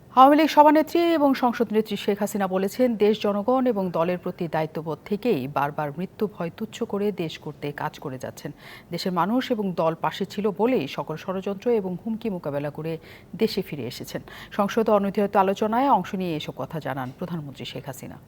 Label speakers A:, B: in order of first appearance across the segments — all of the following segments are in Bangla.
A: আওয়ামী লীগ সভানেত্রী এবং সংসদ নেত্রী শেখ হাসিনা বলেছেন, দেশ, জনগণ এবং দলের প্রতি দায়িত্ববোধ থেকেই বারবার মৃত্যু ভয় তুচ্ছ করে দেশ করতে কাজ করে যাচ্ছেন। দেশের মানুষ এবং দল পাশে ছিল বলেই সকল ষড়যন্ত্র এবং হুমকি মোকাবেলা করে দেশে ফিরে এসেছেন। সংসদে অনির্ধারিত আলোচনায় অংশ নিয়ে এসব কথা জানান প্রধানমন্ত্রী শেখ হাসিনা।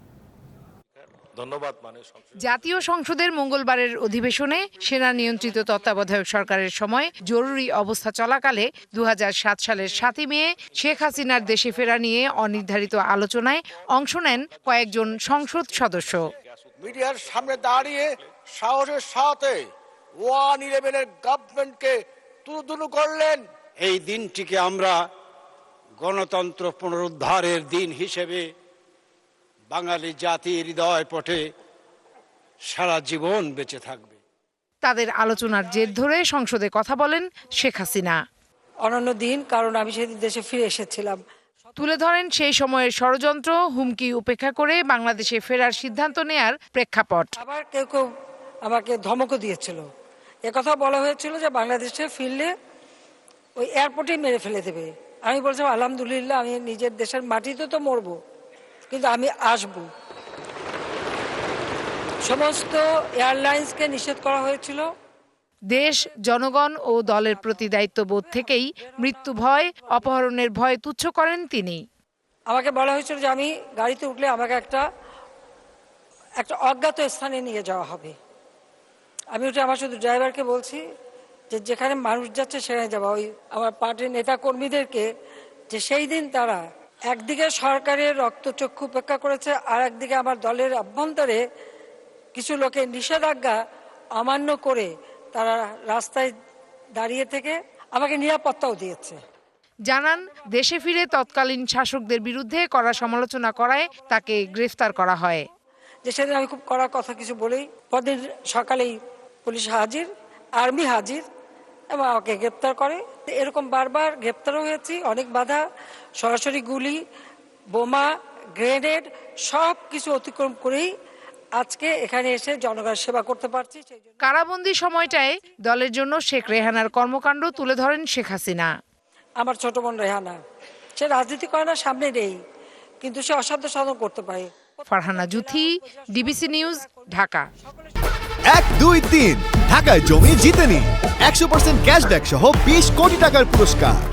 B: জাতীয় সংসদের মঙ্গলবারের অধিবেশনে সেনা নিয়ন্ত্রিত তত্ত্বাবধায়ক সরকারের সময় জরুরি অবস্থা চলাকালে 2007 সালের 7 মে শেখ হাসিনার দেশে ফেরা নিয়ে অনির্ধারিত আলোচনায় অংশ নেন কয়েকজন সংসদ সদস্য।
C: মিডিয়ার সামনে দাঁড়িয়ে সাহসের সাথে 111-এর গভর্নমেন্টকে তুলুতুলু করলেন।
D: এই দিনটিকে আমরা গণতন্ত্র পুনরুদ্ধারের দিন হিসেবে বাঙালি জাতির হৃদয় পটে সারা জীবন বেঁচে থাকবে।
B: তাদের আলোচনার জের ধরে সংসদে কথা বলেন শেখ হাসিনা।
E: অনন্য দিন, কারণ আমি সেদিন দেশে ফিরে এসেছিলাম।
B: তুলে ধরেন সেই সময়ের ষড়যন্ত্র, হুমকি উপেক্ষা করে বাংলাদেশে ফেরার সিদ্ধান্ত নেয়ার প্রেক্ষাপট।
E: আবার কেউ কেউ আমাকে ধমকও দিয়েছিল। একথা বলা হয়েছিল যে বাংলাদেশে ফিরলে ওই এয়ারপোর্টেই মেরে ফেলে দেবে। আমি বলছিলাম, আলহামদুলিল্লাহ, আমি নিজের দেশের মাটিতে তো মরবো, কিন্তু আমি আসব। সমস্ত এয়ারলাইন্সকে নিষেধ করা হয়েছিল।
B: দেশ, জনগণ ও দলের প্রতি দায়িত্ববোধ থেকেই মৃত্যু ভয়, অপহরণের ভয় তুচ্ছ করেন তিনি।
E: আমাকে বলা হয়েছিল যে আমি গাড়িতে উঠলে আমাকে একটা অজ্ঞাত স্থানে নিয়ে যাওয়া হবে। আমি উঠে আমার শুধু ড্রাইভারকে বলছি যে যেখানে মানুষ যাচ্ছে সেখানে যাওয়া। ওই আমার পার্টির নেতা কর্মীদেরকে যে সেই দিন তারা একদিকে সরকারের রক্তচক্ষু উপেক্ষা করেছে, আর একদিকে আমার দলের অভ্যন্তরে কিছু লোকের নিষেধাজ্ঞা অমান্য করে তারা রাস্তায় দাঁড়িয়ে থেকে আমাকে নিরাপত্তাও দিয়েছে।
B: জানান, দেশে ফিরে তৎকালীন শাসকদের বিরুদ্ধে কড়া সমালোচনা করায় তাকে গ্রেফতার করা হয়।
E: যে সেদিন আমি খুব কড়া কথা কিছু বলেই পরদিন সকালেই পুলিশ হাজির, আর্মি হাজির এবং আমাকে গ্রেপ্তার করে। এরকম বারবার গ্রেপ্তারও হয়েছি, অনেক বাধা, সরাসরি গুলি, বোমা, গ্রেনেড সব কিছু অতিক্রম করেই আজকে এখানে এসে জনগণের সেবা করতে পারছি।
B: কারাবন্দী সময়টায় দলের জন্য শেখ রেহানার কর্মকাণ্ড তুলে ধরেন শেখ হাসিনা।
E: আমার ছোট বোন রেহানা, সে রাজনীতি করে না, সামনে নেই, কিন্তু সে অসাধ্য সাধন করতে পারে।
B: Farhana Juthi, DBC news, Dhaka.
F: 1, 2, 3 ঢাকায় জমি জিতে নিন 100% ক্যাশব্যাক সহ 20 কোটি টাকার পুরস্কার।